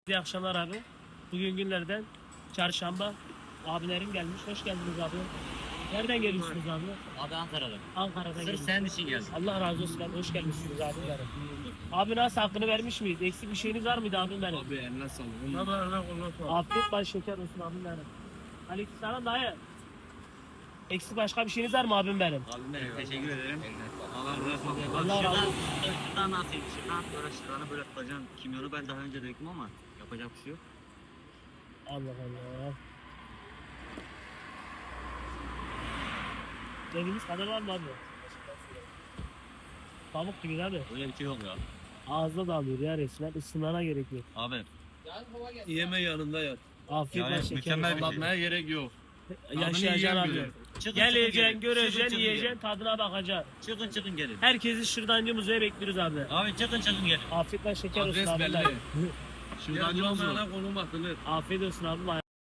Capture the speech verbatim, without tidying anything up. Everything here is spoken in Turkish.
İyi akşamlar abi. Bugün günlerden çarşamba. Abilerim gelmiş. Hoş geldiniz abi. Nereden geliyorsunuz abi? Abi Ankara'da. Ankara'dan Sırf geliyorsunuz. senin için geldim. Allah razı olsun abi. Hoş gelmişsiniz abi. Abi nasıl hakkını vermiş miyiz? Eksik bir şeyiniz var mıydı abim benim? Abi eline sağlık. Baba Allah Allah. Afiyet baş şeker olsun abim benim. Aleykümselam dayı. Eksik başka bir şeyiniz var mı abim benim? Abim benim teşekkür ederim. Allah razı olsun. Allah razı olsun. Şuradan nasıl? Şuradan böyle şuradan böyle tutacaksın. Kimyonu ben daha önce döktüm ama yapacak bir şey yok. Allah Allah. Dediğimiz kadar var mı abi? Pamuk gibi abi. Öyle bir şey yok ya. Ağızda da alıyor ya resmen. Isınmana gerek yok. Abi. Yeme yanında yat. Afiyet Yani baş şeker mükemmel olsun. bir şey. Anlatmaya gerek yok. Yaşayacaksın abi. yiyen Çıkın, Geleceksin, çıkın gelin. göreceksin, Çıkın, yiyeceksin, çıkın tadına bakacaksın. gelin. Çıkın çıkın gelin. Herkesi Şırdancı Müze'ye bekliyoruz abi. Abi çıkın çıkın gelin. Afiyet baş şeker olsun Adres abi. belli. Şırdancı Şuradan Müze. olmayana konum atılır. Afiyet olsun abi.